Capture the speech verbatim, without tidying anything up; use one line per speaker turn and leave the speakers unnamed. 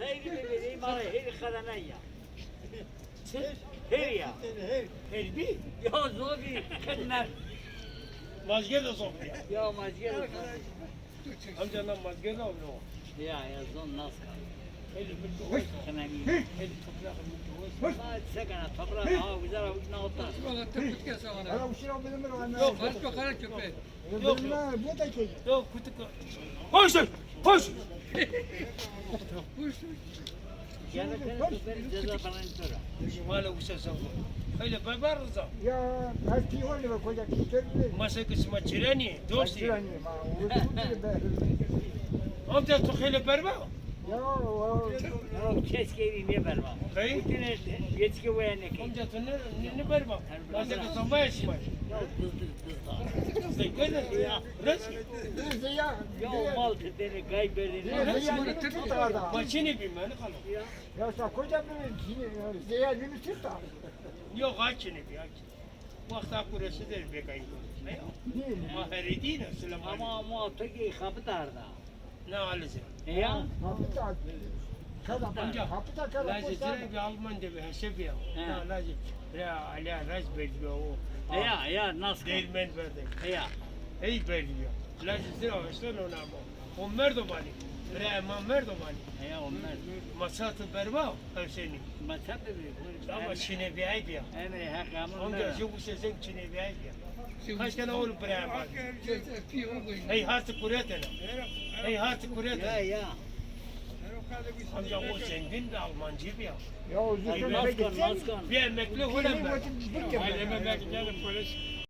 Sayın vereyim bana her kadına ya. Her ya.
Her bir.
Ya zobi kenler.
Mazge de zor ya.
Ya mazgel.
Amcandan mazge de oluyor.
Ya ya zon nasıl kaldı?
Eli bir hoş.
Hemen iyi.
Eli toprağı bir hoş.
Hadi sekana toprağı ha güzel ne oldu?
Valla tepkik ya sana.
Ana uşağı benim ben.
Yok,
Kaç bakalım köpeği.
Yok,
Benim
yok.
bu da ki.
Yok kutu. Hoş lan. Hoş.
Yani sen köpeğin ceza falan sonra.
Mala uçsa savun. Öyle barbar rıza.
Ya eski var ya koca kitleri.
Masa kısma çireni. Dosti.
Başlayın ma. Uyudu be.
Amca tukhele barbar.
Ya o.
Yok keşke evi niye vermem.
Kayı.
Bütün yetki bu yani ki.
Amca tu ne ne barbar. Masa kısma yaşma.
Ya dızdır dızdır.
Zekede ya. Rıza.
Neyse ya.
Ya mal tedeni kaybedeni.
Neyse ya. Tut adam.
Maçını bilmem ne kalın.
Ya.
Ya sen koca bir zeyadını tut da.
Yok açını bir aç. Vakti akurası der bekayım.
Değil.
Maheri değil selam.
Ama ama peki kapı darda.
Ne alıcı?
Ya.
Hapıta. Kada
Amca.
hapıta kada.
Lazım bir Alman de bir hesap ya.
He.
Ne lazım? Ya ala raz belge o.
Ya ya nasıl?
Değirmen verdi.
Ya.
Hey belge. Lazım sıra işte ona ama. O merdo mali. Bre ama merdo mali.
Ya onlar.
Masatı berba hepsini.
Masa bir.
Ama çine bir ay ya.
Emre hakamın.
Amca şu bu sesin çine bir ay ya. Kaç tane oğlu bre ama. Hey hatı kuretene. Hey hatı
Ya
kuretene.
ya.
Amca o zengin de Almancı bir ya.
Ya o zıkkın da
Naskan
gitsin.
naskan.
Bir emekli
Kimin
olan ben.
vakit bir kere.
Aileme belki gelin polis.